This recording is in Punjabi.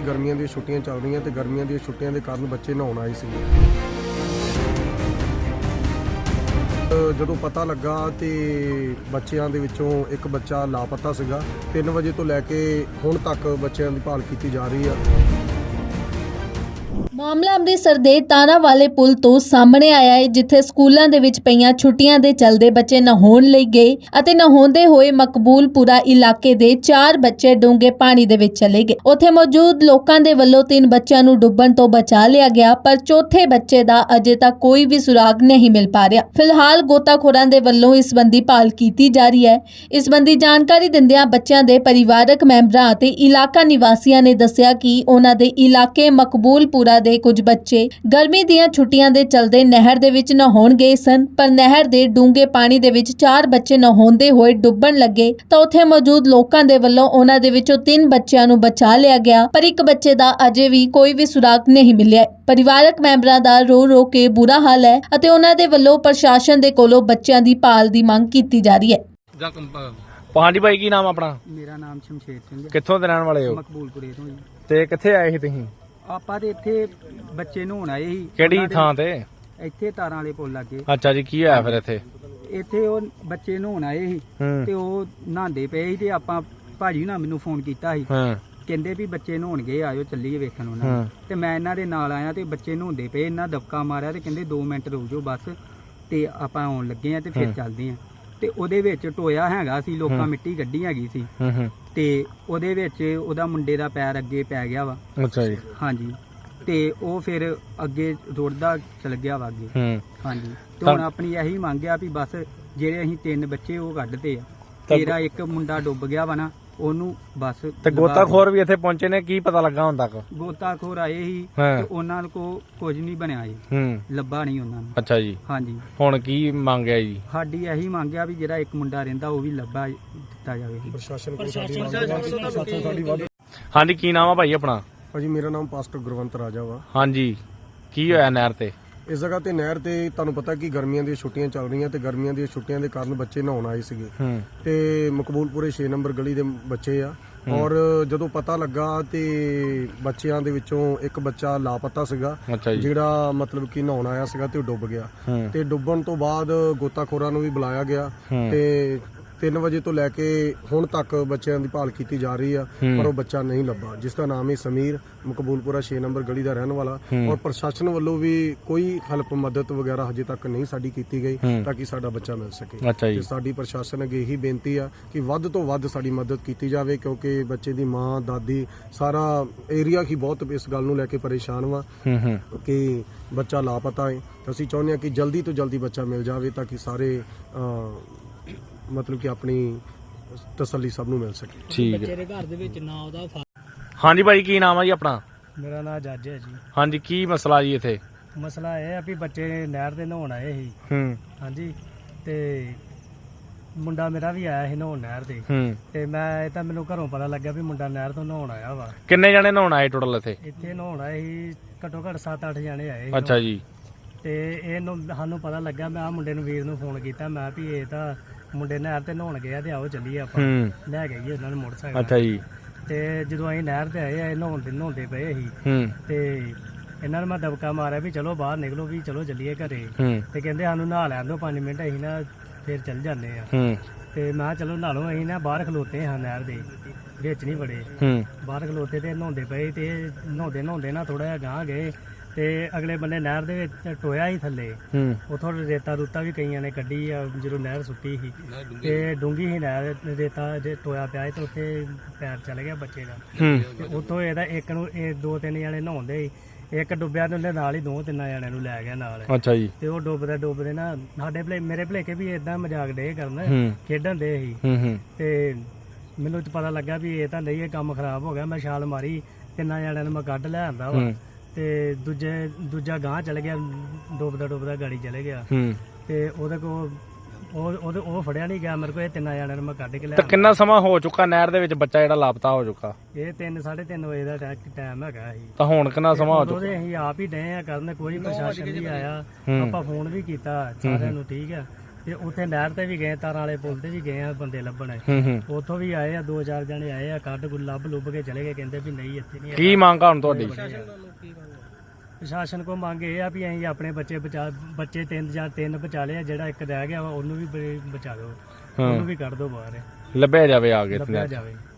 ਗਰਮੀਆਂ ਦੀਆਂ ਛੁੱਟੀਆਂ ਚੱਲ ਰਹੀਆਂ ਤੇ ਗਰਮੀਆਂ ਦੀਆਂ ਛੁੱਟੀਆਂ ਦੇ ਕਾਰਨ ਬੱਚੇ ਨਹਾਉਣ ਆਏ ਸੀ। ਜਦੋਂ ਪਤਾ ਲੱਗਾ ਤੇ ਬੱਚਿਆਂ ਦੇ ਵਿੱਚੋਂ ਇੱਕ ਬੱਚਾ ਲਾਪਤਾ ਸੀਗਾ। 3 ਵਜੇ ਤੋਂ ਲੈ ਕੇ ਹੁਣ ਤੱਕ ਬੱਚਿਆਂ ਦੀ ਭਾਲ ਕੀਤੀ ਜਾ ਰਹੀ ਆ। ਮਾਮਲਾ ਅੰਮ੍ਰਿਤਸਰ ਦੇ ਤਾਰਾਂ ਵਾਲੇ ਪੁਲ ਤੋਂ ਸਾਹਮਣੇ ਆਇਆ ਹੈ, ਜਿੱਥੇ ਸਕੂਲਾਂ ਦੇ ਵਿੱਚ ਪਈਆਂ ਛੁੱਟੀਆਂ ਦੇ ਚੱਲਦੇ ਬੱਚੇ ਨਹਾਉਣ ਲਈ ਗਏ ਅਤੇ ਨਹਾਉਂਦੇ ਹੋਏ ਮਕਬੂਲਪੁਰਾ ਇਲਾਕੇ ਦੇ 4 ਬੱਚੇ ਡੂੰਘੇ ਪਾਣੀ ਦੇ ਵਿੱਚ ਚਲੇ ਗਏ। ਉੱਥੇ ਮੌਜੂਦ ਲੋਕਾਂ ਦੇ ਵੱਲੋਂ 3 ਬੱਚਿਆਂ ਨੂੰ ਡੁੱਬਣ ਤੋਂ ਬਚਾ ਲਿਆ ਗਿਆ, ਪਰ ਚੌਥੇ ਬੱਚੇ ਦਾ ਅਜੇ ਤੱਕ ਕੋਈ ਵੀ ਸੁਰਾਗ ਨਹੀਂ ਮਿਲ ਪਾ ਰਿਹਾ। ਫਿਲਹਾਲ ਗੋਤਾਖੋਰਾਂ ਦੇ ਵੱਲੋਂ ਇਸ ਸੰਬੰਧੀ ਭਾਲ ਕੀਤੀ ਜਾ ਰਹੀ ਹੈ। ਇਸ ਸੰਬੰਧੀ ਜਾਣਕਾਰੀ ਦਿੰਦਿਆਂ ਬੱਚਿਆਂ ਦੇ ਪਰਿਵਾਰਕ ਮੈਂਬਰਾਂ ਅਤੇ ਇਲਾਕਾ ਨਿਵਾਸੀਆਂ ਨੇ ਦੱਸਿਆ ਕਿ ਉਹਨਾਂ ਦੇ ਇਲਾਕੇ ਮਕਬੂਲਪੁਰਾ ਦੇ ਕੁਝ ਬੱਚੇ ਗਰਮੀ ਦੀਆਂ ਛੁੱਟੀਆਂ ਦੇ ਚਲਦੇ ਨਹਿਰ ਦੇ ਵਿੱਚ ਨਹਾਉਣ ਗਏ ਸਨ, ਪਰ ਨਹਿਰ ਦੇ ਡੂੰਘੇ ਪਾਣੀ ਦੇ ਵਿੱਚ 4 ਬੱਚੇ ਨਹਾਉਂਦੇ ਹੋਏ ਡੁੱਬਣ ਲੱਗੇ ਤਾਂ ਉੱਥੇ ਮੌਜੂਦ ਲੋਕਾਂ ਦੇ ਵੱਲੋਂ ਉਹਨਾਂ ਦੇ ਵਿੱਚੋਂ 3 ਬੱਚਿਆਂ ਨੂੰ ਬਚਾ ਲਿਆ ਗਿਆ, ਪਰ ਇੱਕ ਬੱਚੇ ਦਾ ਅਜੇ ਵੀ ਕੋਈ ਵੀ ਸੁਰਾਗ ਨਹੀਂ ਮਿਲਿਆ। ਪਰਿਵਾਰਕ ਮੈਂਬਰਾਂ ਦਾ ਰੋ ਕੇ ਬੁਰਾ ਹਾਲ ਹੈ ਅਤੇ ਉਹਨਾਂ ਦੇ ਵੱਲੋਂ ਪ੍ਰਸ਼ਾਸਨ ਦੇ ਕੋਲੋਂ ਬੱਚਿਆਂ ਦੀ ਭਾਲ ਦੀ ਮੰਗ ਕੀਤੀ ਜਾ ਰਹੀ ਹੈ। ਹਾਂਜੀ ਭਾਈ, ਕੀ ਨਾਮ ਆਪਣਾ? ਮੇਰਾ ਨਾਮ ਸ਼ਮਸ਼ੇਰ ਸਿੰਘ ਹੈ। ਕਿੱਥੋਂ ਦੇ ਰਹਿਣ ਵਾਲੇ ਹੋ? ਮਕਬੂਲਪੁਰੇ ਤੋਂ ਜੀ। ਤੇ ਕਿੱਥੇ ਆਏ ਸੀ ਤੁਸੀਂ? ਆਪਾਂ ਤੇ ਇੱਥੇ ਬੱਚੇ ਨਹਾਉਣ ਆਏ ਸੀ। ਕਿਹੜੀ ਉਹਨਾਂ ਦੇ- ਥਾਂ ਤੇ? ਇੱਥੇ ਤਾਰਾਂ ਵਾਲੇ ਪੁੱਲ ਲੱਗੇ। ਅੱਛਾ ਜੀ, ਕੀ ਹੋਇਆ ਫਿਰ ਇੱਥੇ? ਇੱਥੇ ਉਹ ਬੱਚੇ ਨਹਾਉਣ ਆਏ ਸੀ ਤੇ ਉਹ ਨਹਾਉਂਦੇ ਪਏ ਸੀ ਤੇ ਆਪਾਂ ਭਾਜੀ ਨਾਲ ਮੈਨੂੰ ਫੋਨ ਕੀਤਾ ਸੀ। ਕਹਿੰਦੇ ਵੀ ਬੱਚੇ ਨਹਾਉਣ ਗਏ, ਆਇਓ ਚੱਲੀਏ ਵੇਖਣ ਉਹਨਾਂ ਨੂੰ। ਤੇ ਮੈਂ ਇਹਨਾਂ ਦੇ ਨਾਲ ਆਇਆ ਤੇ ਬੱਚੇ ਨਹਾਉਂਦੇ ਪਏ, ਇਹਨਾਂ ਦਬਕਾ ਮਾਰਿਆ ਤੇ ਕਹਿੰਦੇ 2 ਮਿੰਟ ਰੁਕ ਜਾਓ ਬਸ, ਤੇ ਆਪਾਂ ਆਉਣ ਲੱਗੇ ਆ ਤੇ ਫਿਰ ਚੱਲਦੇ ਆ। ਤੇ ਉਹਦੇ ਵਿੱਚ ਟੋਇਆ ਹੈਗਾ ਸੀ, ਲੋਕਾਂ ਮਿੱਟੀ ਗੱਡੀ ਹੈਗੀ ਸੀ ਤੇ ਉਹਦੇ ਵਿੱਚ ਉਹਦਾ ਮੁੰਡੇ ਦਾ ਪੈਰ ਅੱਗੇ ਪੈ ਗਿਆ ਵਾ। ਅੱਛਾ ਜੀ। ਹਾਂਜੀ, ਤੇ ਉਹ ਫਿਰ ਅੱਗੇ ਰੁੜਦਾ ਚਲ ਗਿਆ ਵਾ ਅੱਗੇ। ਹਾਂਜੀ, ਤੇ ਹੁਣ ਆਪਣੀ ਇਹੀ ਮੰਗ ਆ ਵੀ ਬਸ ਜਿਹੜੇ ਅਸੀਂ 3 ਬੱਚੇ ਉਹ ਕੱਢਦੇ ਆ, ਤੇਰਾ ਇੱਕ ਮੁੰਡਾ ਡੁੱਬ ਗਿਆ ਵਾ ਨਾ, ਉਹਨੂੰ ਬਸ। ਤੇ ਗੋਤਾਖੋਰ ਵੀ ਇੱਥੇ ਪਹੁੰਚੇ ਨੇ, ਕੀ ਪਤਾ ਲੱਗਾ ਹੁਣ ਤੱਕ? ਗੋਤਾਖੋਰ ਆਏ ਸੀ ਤੇ ਉਹਨਾਂ ਕੋ ਕੁਝ ਨਹੀਂ ਬਣਿਆ ਜੀ, ਲੱਭਾ ਨਹੀਂ ਉਹਨਾਂ ਨੂੰ। ਅੱਛਾ ਜੀ। ਹਾਂਜੀ, ਹੁਣ ਕੀ ਮੰਗਿਆ ਜੀ? ਸਾਡੀ ਇਹੀ ਮੰਗ ਆ ਵੀ ਜਿਹੜਾ ਇੱਕ ਮੁੰਡਾ ਰਹਿੰਦਾ ਉਹ ਵੀ ਲੱਭਾ ਦਿੱਤਾ ਜਾਵੇ। ਪ੍ਰਸ਼ਾਸਨ ਕੋਲ ਹਾਂਜੀ, ਕੀ ਨਾਮ ਆ ਭਾਈ ਆਪਣਾ? ਭਾਜੀ ਮੇਰਾ ਨਾਮ ਪਾਸਟਰ ਗੁਰਵੰਤ ਰਾਜਾ ਵਾ। ਹਾਂਜੀ, ਕੀ ਹੋਇਆ ਨਹਿਰ ਤੇ? ਇਸ ਜਗ੍ਹਾ ਤੇ ਨਹਿਰ ਤੇ ਤੁਹਾਨੂੰ ਪਤਾ ਕਿ ਗਰਮੀਆਂ ਦੀਆਂ ਛੁੱਟੀਆਂ ਚੱਲ ਰਹੀਆਂ ਤੇ ਗਰਮੀਆਂ ਦੀਆਂ ਛੁੱਟੀਆਂ ਦੇ ਕਾਰਨ ਬੱਚੇ ਨਹਾਉਣ ਆਏ ਸੀਗੇ ਤੇ ਮਕਬੂਲਪੁਰੇ 6 ਨੰਬਰ ਗਲੀ ਦੇ ਬੱਚੇ ਆ। ਔਰ ਜਦੋਂ ਪਤਾ ਲੱਗਾ ਤੇ ਬੱਚਿਆਂ ਦੇ ਵਿੱਚੋਂ ਇੱਕ ਬੱਚਾ ਲਾਪਤਾ ਸੀਗਾ, ਜਿਹੜਾ ਮਤਲਬ ਕਿ ਨਹਾਉਣ ਆਇਆ ਸੀਗਾ ਤੇ ਉਹ ਡੁੱਬ ਗਿਆ। ਤੇ ਡੁੱਬਣ ਤੋਂ ਬਾਅਦ ਗੋਤਾਖੋਰਾਂ ਨੂੰ ਵੀ ਬੁਲਾਇਆ ਗਿਆ ਤੇ 3 ਵਜੇ ਤੋਂ ਲੈ ਕੇ ਹੁਣ ਤੱਕ ਬੱਚਿਆਂ ਦੀ ਭਾਲ ਕੀਤੀ ਜਾ ਰਹੀ ਆ, ਪਰ ਉਹ ਬੱਚਾ ਨਹੀਂ ਲੱਭਾ, ਜਿਸ ਦਾ ਨਾਮ ਹੈ ਸਮੀਰ, ਮਕਬੂਲਪੁਰਾ 6 ਨੰਬਰ ਗਲੀ ਦਾ ਰਹਿਣ ਵਾਲਾ। ਔਰ ਪ੍ਰਸ਼ਾਸਨ ਵੱਲੋਂ ਵੀ ਕੋਈ ਹੈਲਪ ਮਦਦ ਵਗੈਰਾ ਹਜੇ ਤੱਕ ਨਹੀਂ ਸਾਡੀ ਕੀਤੀ ਗਈ ਤਾਂ ਕਿ ਸਾਡਾ ਬੱਚਾ ਮਿਲ ਸਕੇ। ਤੇ ਸਾਡੀ ਪ੍ਰਸ਼ਾਸਨ ਅੱਗੇ ਇਹੀ ਬੇਨਤੀ ਆ ਕਿ ਵੱਧ ਤੋਂ ਵੱਧ ਸਾਡੀ ਮਦਦ ਕੀਤੀ ਜਾਵੇ, ਕਿਉਂਕਿ ਬੱਚੇ ਦੀ ਮਾਂ, ਦਾਦੀ, ਸਾਰਾ ਏਰੀਆ ਹੀ ਬਹੁਤ ਇਸ ਗੱਲ ਨੂੰ ਲੈ ਕੇ ਪਰੇਸ਼ਾਨ ਵਾ ਕਿ ਬੱਚਾ ਲਾਪਤਾ ਹੈ। ਅਸੀਂ ਚਾਹੁੰਦੇ ਹਾਂ ਕਿ ਜਲਦੀ ਤੋਂ ਜਲਦੀ ਬੱਚਾ ਮਿਲ ਜਾਵੇ ਤਾਂ ਕਿ ਸਾਰੇ ਮਤਲਬ ਕਿ ਆਪਣੀ ਤਸੱਲੀ ਸਭ ਨੂੰ ਮਿਲ ਸਕੇ। ਠੀਕ ਹੈ। ਬੱਚੇ ਦੇ ਘਰ ਦੇ ਵਿੱਚ ਨਾ ਉਹਦਾ। ਹਾਂਜੀ ਭਾਈ, ਕੀ ਨਾਮ ਆ ਜੀ ਆਪਣਾ? ਮੇਰਾ ਨਾਮ ਜੱਜ ਹੈ ਜੀ। ਹਾਂਜੀ, ਕੀ ਮਸਲਾ ਜੀ ਇੱਥੇ? ਮਸਲਾ ਇਹ ਆ ਵੀ ਬੱਚੇ ਨਹਿਰ ਤੇ ਨਹਾਉਣ ਆਏ ਸੀ। ਹਾਂਜੀ, ਤੇ ਮੁੰਡਾ ਮੇਰਾ ਵੀ ਆਇਆ ਸੀ ਨਹਾਉਣ ਨਹਿਰ ਤੇ ਮੈਂ ਤਾਂ ਮੈਨੂੰ ਘਰੋਂ ਪਤਾ ਲੱਗਿਆ ਵੀ ਮੁੰਡਾ ਨਹਿਰ ਤੋਂ ਨਹਾਉਣ ਆਇਆ ਵਾ। ਕਿੰਨੇ ਜਣੇ ਨਹਾਉਣ ਆਏ ਟੋਟਲ ਇੱਥੇ? ਇੱਥੇ ਨਹਾਉਣ ਆਏ ਸੀ ਘੱਟੋ ਘੱਟ 7-8 ਜਣੇ ਆਏ ਸੀ। ਅੱਛਾ ਜੀ। ਤੇ ਇਹਨੂੰ ਸਾਨੂੰ ਪਤਾ ਲੱਗਾ, ਮੈਂ ਆ ਮੁੰਡੇ ਨੂੰ, ਵੀਰ ਨੂੰ ਫੋਨ ਕੀਤਾ, ਮੈਂ ਵੀ ਇਹ ਤਾਂ ਮੁੰਡੇ ਨਹਿਰ ਤੇ ਨਹਾਉਣ ਗਏ ਆ ਤੇ ਆਓ ਚੱਲੀਏ ਆਪਾਂ ਲੈ ਕੇ ਗਏ ਉਹਨਾਂ ਨੂੰ ਮੋਟਰਸਾਈਕਲ। ਅੱਛਾ ਜੀ। ਤੇ ਜਦੋਂ ਅਸੀਂ ਨਹਿਰ ਤੇ ਆਏ ਆ, ਨਹਾਉਂਦੇ ਪਏ ਸੀ ਤੇ ਇਹਨਾਂ ਨੂੰ ਮੈਂ ਦਬਕਾ ਮਾਰਿਆ ਵੀ ਚਲੋ ਬਾਹਰ ਨਿਕਲੋ, ਵੀ ਚਲੋ ਚੱਲੀਏ ਘਰੇ। ਤੇ ਕਹਿੰਦੇ ਸਾਨੂੰ ਨਹਾ ਲੈਣ ਦਿਓ 5 ਮਿੰਟ, ਅਸੀਂ ਨਾ ਫਿਰ ਚੱਲ ਜਾਂਦੇ ਆ। ਤੇ ਮੈਂ ਕਿਹਾ ਚਲੋ ਨਹਾ ਲਓ। ਅਸੀਂ ਨਾ ਬਾਹਰ ਖਲੋਤੇ ਹਾਂ ਨਹਿਰ ਦੇ ਵਿੱਚ, ਨਹੀਂ ਬੜੇ ਬਾਹਰ ਖਲੋਤੇ ਤੇ ਨਹਾਉਂਦੇ ਪਏ ਤੇ ਨਹਾਉਂਦੇ ਨਾ ਥੋੜਾ ਜਿਹਾ ਗਾਂਹ ਗਏ ਤੇ ਅਗਲੇ ਬੰਨੇ ਨਹਿਰ ਦੇ ਵਿੱਚ ਟੋਇਆ ਹੀ ਥੱਲੇ, ਉਥੋਂ ਰੇਤਾ ਰੂਤਾ ਵੀ ਕਈਆਂ ਨੇ ਕੱਢੀ ਆ ਜਦੋਂ ਨਹਿਰ ਸੁੱਕੀ ਸੀ ਤੇ ਡੂੰਗੀ ਸੀ ਨਹਿਰ, ਰੇਤਾ ਜੇ ਟੋਇਆ ਪਿਆ ਤੇ ਉੱਥੇ ਪੈਰ ਚਲ ਗਿਆ ਬੱਚੇ ਦਾ। ਤੇ ਉੱਥੋਂ ਇਹਦਾ ਇੱਕ ਨੂੰ 2-3 ਜਣੇ ਨਹਾਉਂਦੇ, ਇੱਕ ਡੁੱਬਿਆ ਤੇ ਉਹਦੇ ਨਾਲ ਹੀ 2-3 ਜਣਿਆਂ ਨੂੰ ਲੈ ਗਿਆ ਨਾਲ। ਅੱਛਾ ਜੀ। ਤੇ ਉਹ ਡੁੱਬਦੇ ਨਾ ਸਾਡੇ ਮੇਰੇ ਭਲੇਕੇ ਵੀ ਏਦਾਂ ਮਜ਼ਾਕ ਡੇ ਕਰਨ, ਖੇਡਣ ਦੇ ਸੀ। ਤੇ ਮੈਨੂੰ ਪਤਾ ਲੱਗਾ ਵੀ ਇਹ ਤਾਂ ਨਹੀਂ, ਇਹ ਕੰਮ ਖਰਾਬ ਹੋ ਗਿਆ। ਮੈਂ ਛਾਲ ਮਾਰੀ, 3 ਜਣਿਆਂ ਨੂੰ ਮੈਂ ਕੱਢ ਲੈ ਆਂਦਾ ਵਾ ਤੇ ਦੂਜਾ ਗਾਂਹ ਚਲ ਗਿਆ, ਡੁੱਬਦਾ ਗਾੜੀ ਚਲੇ ਗਿਆ। ਤੇ ਉਹਦੇ ਕੋਲ ਉਹ ਫੜਿਆ ਨਹੀਂ ਗਿਆ ਮੇਰੇ ਕੋਲ। ਇਹ 3 ਜਣਿਆਂ ਨੂੰ ਮੈਂ ਕੱਢ ਕੇ ਲੈ। ਤਾਂ ਕਿੰਨਾ ਸਮਾਂ ਹੋ ਚੁੱਕਾ ਨਹਿਰ ਦੇ ਵਿੱਚ ਬੱਚਾ ਜਿਹੜਾ ਲਾਪਤਾ ਹੋ ਚੁੱਕਾ? ਇਹ 3-3:30 ਵਜੇ ਦਾ ਟਾਈਮ ਹੈਗਾ ਸੀ। ਤਾਂ ਹੁਣ ਕਿੰਨਾ ਸਮਾਂ ਹੋ ਚੁੱਕਾ? ਅਸੀਂ ਆਪ ਹੀ ਡਏ ਆ ਕਰਨ, ਕੋਈ ਪ੍ਰਸ਼ਾਸਨ ਨਹੀਂ ਆਇਆ। ਆਪਾਂ ਫੋਨ ਵੀ ਕੀਤਾ ਸਾਰਿਆਂ ਨੂੰ, ਠੀਕ ਆ, ਤੇ ਉੱਥੇ ਨਹਿਰ ਤੇ ਵੀ ਗਏ, ਤਾਰਾਂ ਵਾਲੇ ਪੁਲ ਤੇ ਵੀ ਗਏ ਆ ਬੰਦੇ ਲੱਭਣ। ਉੱਥੋਂ ਵੀ ਆਏ ਆ, 2-4 ਜਣੇ ਆਏ ਆ, ਕੱਢ ਗੁੱਲ ਲੱਭ ਲੁੱਭ ਕੇ ਚਲੇ ਗਏ, ਕਹਿੰਦੇ ਵੀ ਨਹੀਂ ਇੱਥੇ ਨਹੀਂ। ਕੀ ਮੰਗ ਆ ਹੁਣ ਤੁਹਾਡੀ? ਪ੍ਰਸ਼ਾਸਨ ਕੋ ਮੰਗ ਇਹ ਆ ਵੀ ਅਸੀਂ ਆਪਣੇ ਬੱਚੇ ਬੱਚੇ 3 ਬਚਾ ਲਏ ਆ, ਜਿਹੜਾ ਇੱਕ ਰਹਿ ਗਿਆ ਵਾ ਉਹਨੂੰ ਵੀ ਬਚਾ ਦਿਓ, ਉਹਨੂੰ ਵੀ ਕੱਢ ਦਿਓ ਬਾਹਰ, ਲੱਭਿਆ ਜਾਵੇ ਆ ਕੇ ਲੱਭਿਆ ਜਾਵੇ।